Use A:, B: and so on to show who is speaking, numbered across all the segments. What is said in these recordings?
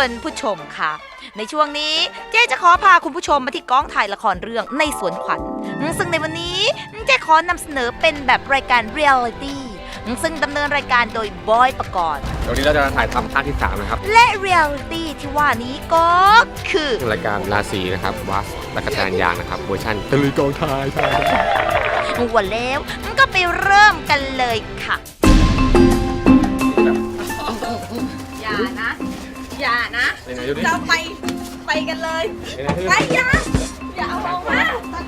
A: คุณผู้ชมค่ะในช่วงนี้เจ๊จะขอพาคุณผู้ชมมาที่กองถ่ายละครเรื่องในสวนขวัญซึ่งในวันนี้เจ๊ขอนำเสนอเป็นแบบรายการเรียลลิตี้ซึ่งดำเนินรายการโดยบอยปกรณ์
B: วันนี้เราจะถ่ายทำภาคที่3นะครับ
A: และเรียลลิตี้ที่ว่านี้ก็คือ
B: รายการราศีนะครับวัสและกระจานยางนะครับเวอร์ชันตะลุยกองถ่าย
A: วันแล้วก็ไปเริ่มกันเลยค่ะอย่านะเราไปกันเลยไปอย่าเอาออกมา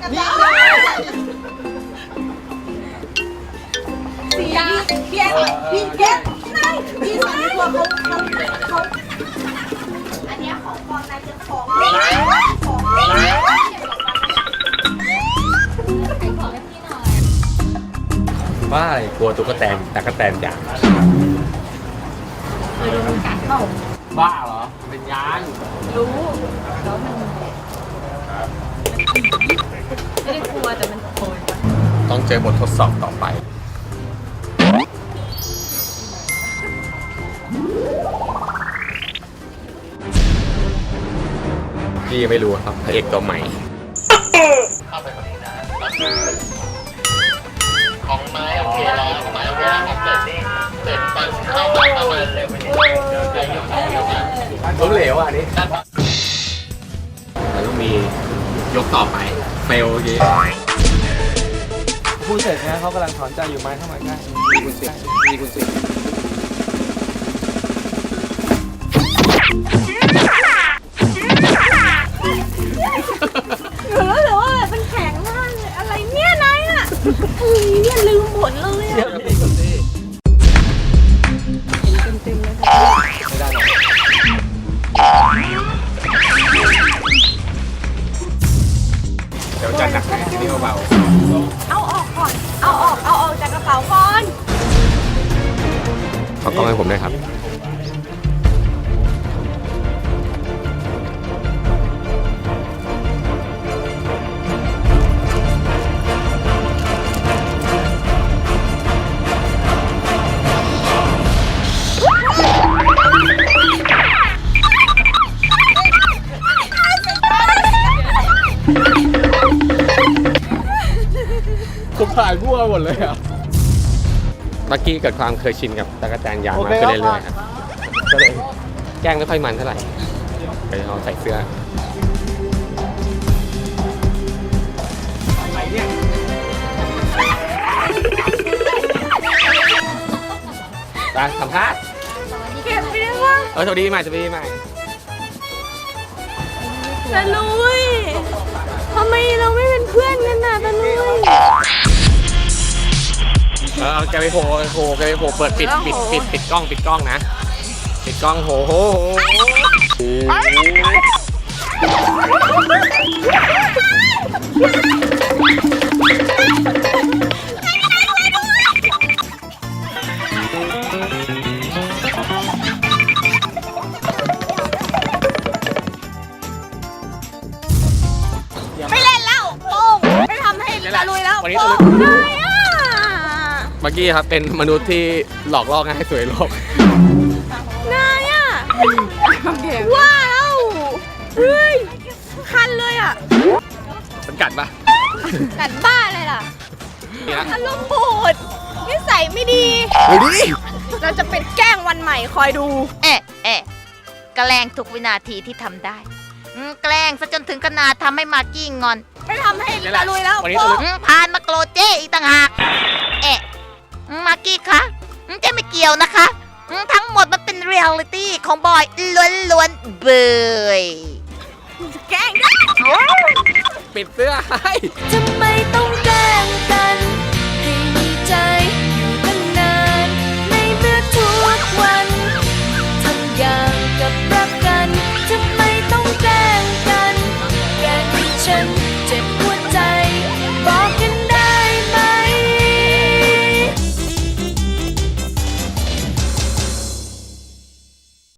A: เสียพี่เก็บนายพี่สอนตัวเขาอันนี้ของปลอมนายจะของ
B: บ้าอะไรกลัวตุ๊กแตนตะกแตนยาง
A: เคยโดนมันกัดเปล่า
B: บ้าเหรอเป็นยาง
A: รู้แล้วมันไม่ได้กลัวแต่มันโผล่
B: ต้องเจอบททดสอบต่อไปพี่ยังไม่รู้ครับพระเอกตัวใหม่เข้าไปคนนี้นะของไม้โอเคแล้วของไม้โอเคแล้วเสร็จนี่เสร็จตอนเข้ามาประมาณเร็วไปนิดนึงล้มเหลวอ่ะนี่แล้วก็มียกต่อไปเฟลเยอะ
C: พูดเสร็จนะเขากำลังถอนใจอยู่ไม้เข้ามาใกล้
B: มีคุณสิ
A: หรือว่ามันแข็งมากเลยอะไรเนี่ยนายอ่ะเนี่ยลืมหมดเลยอ่ะเห็นเต็มเลย
B: ไม่ได้หรอกเดี๋ยวจะหนักนะที่นี่เบา
A: เอาออกก่อนเอาออกจากกระเป๋าก่อน
B: ขอกล้องให้ผมด้วยครับ
C: ผมถ่ายมั่วหมดเลยอ่ะ
B: เมื่อกี้เกิดความเคยชินกับตะกแตนยางมาขึ้นเรื่อยๆครับก็เลยแกล้งไม่ค่อยมันเท่าไหร่ไปเอาใส่เสื้อไปสัมภาษณ์
A: เก็บไปได้ปะ
B: สวัสดีใหม่
A: ตะลุยทำไมเราไม่เป็นเพื่อนกันน่ะตะลุย
B: แกไปโผล่เปิดปิดกล้องนะปิดกล้องโห
A: ไม่เล่นแล้วโป้งไม่ทำให้ตะลุยแล้วโป้งได้อะ
B: เมื่อกี้ครับเป็นมนุษย์ที่หลอกล่อง่ายสวยโลก
A: นายอ่ะว้าวเฮ้ยคันเลยอ่ะ
B: มันกัดปะ
A: กัดบ้าเลยล่ะอารมณ์บูดนิสัยไม่ดีเราจะเป็นแกล้งวันใหม่คอยดูแกล้งทุกวินาทีที่ทำได้แกล้งซะจนถึงขนาดทำให้มากกี้งอนไม่ทำให้ตะลุยแล้วพานมาโกรธเจ๊อีกต่างหากมากกี้คะเจ๊ไม่เกี่ยวนะคะทั้งหมดมันเป็นเรียลลิตี้ของบอยล้วนๆเบยแกล้งได้
B: ปิดเสื้อให้
A: ทำไมต้องแกล้